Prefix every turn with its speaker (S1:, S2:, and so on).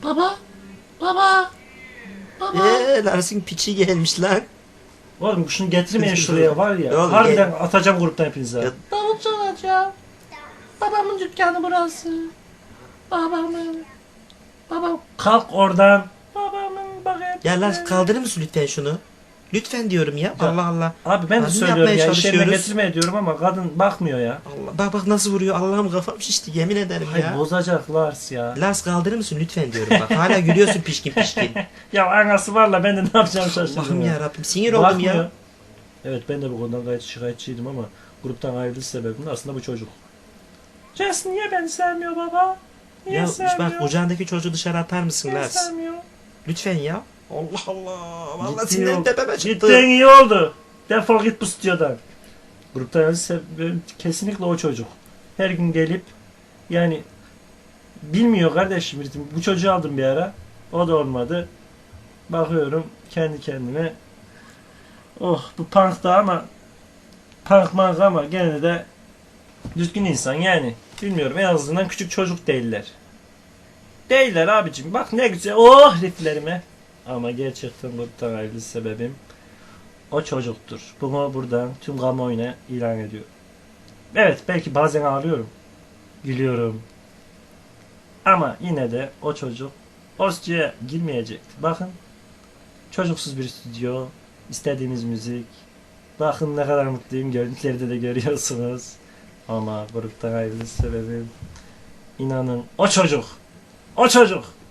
S1: Baba. Baba. Baba.
S2: Lars'ın piçi gelmiş lan.
S3: Oğlum şunu getirmeyin şuraya var ya.
S2: Oğlum,
S3: Harbiden atacağım gruptan hepinize.
S2: Ya-
S1: Davul çalacağım. Babamın dükkanı burası. Babamın. Babam.
S3: Kalk oradan. Babamın baget.
S2: Ya Lars kaldırır mısın lütfen şunu? Lütfen diyorum ya. Allah Allah.
S3: Abi ben de
S2: Nasıl
S3: söylüyorum
S2: yapmaya
S3: ya. İşlerine
S2: çalışıyoruz?
S3: getirme diyorum ama kadın bakmıyor ya.
S2: Allah. Bak nasıl vuruyor. Allah'ım kafam şişti yemin ederim
S3: Hayır
S2: ya.
S3: bozacak Lars ya.
S2: Lars kaldırır mısın lütfen diyorum bak. Hala gülüyorsun pişkin pişkin.
S3: Ya anası var la ben de ne yapacağım şaşırdım.
S2: Allah'ım
S3: ya.
S2: ya Rabbim sinir oldum
S3: Bakmıyor.
S2: ya.
S3: Evet ben de bu konudan gayet şikayetçiydim ama gruptan ayrılış sebebim de aslında bu çocuk. Jess niye beni sevmiyor baba? Niye
S2: Ya
S3: sevmiyor?
S2: bak kucağındaki çocuğu dışarı atar mısın
S3: Niye
S2: Lars?
S3: sevmiyor?
S2: Lütfen ya. Allah Allah. Vallahi
S3: Gittin
S2: sinirlerim
S3: yok.
S2: tepeme çıktı.
S3: Gittin iyi oldu. Defol git bu stüdyodan. Gruptan ayrılış sebebim kesinlikle o çocuk. Her gün gelip yani bilmiyor kardeşim ritim. Bu çocuğu aldım bir ara. O da olmadı. Bakıyorum kendi kendime. Oh bu punk da ama punk mank ama gene de düzgün insan yani. Bilmiyorum en azından küçük çocuk değiller. Değiller abicim. Bak ne güzel. Oh rifflerime. Ama gerçekten gruptan ayrılış sebebim o çocuktur. Bunu buradan tüm kamuoyuna ilan ediyorum. Evet belki bazen ağlıyorum. Gülüyorum. Ama yine de o çocuk o stüdyoya girmeyecekti. Bakın çocuksuz bir stüdyo. İstediğimiz müzik. Bakın ne kadar mutluyum. Görüntülerde de görüyorsunuz. Ama gruptan ayrılış sebebim inanın o çocuk. O çocuk.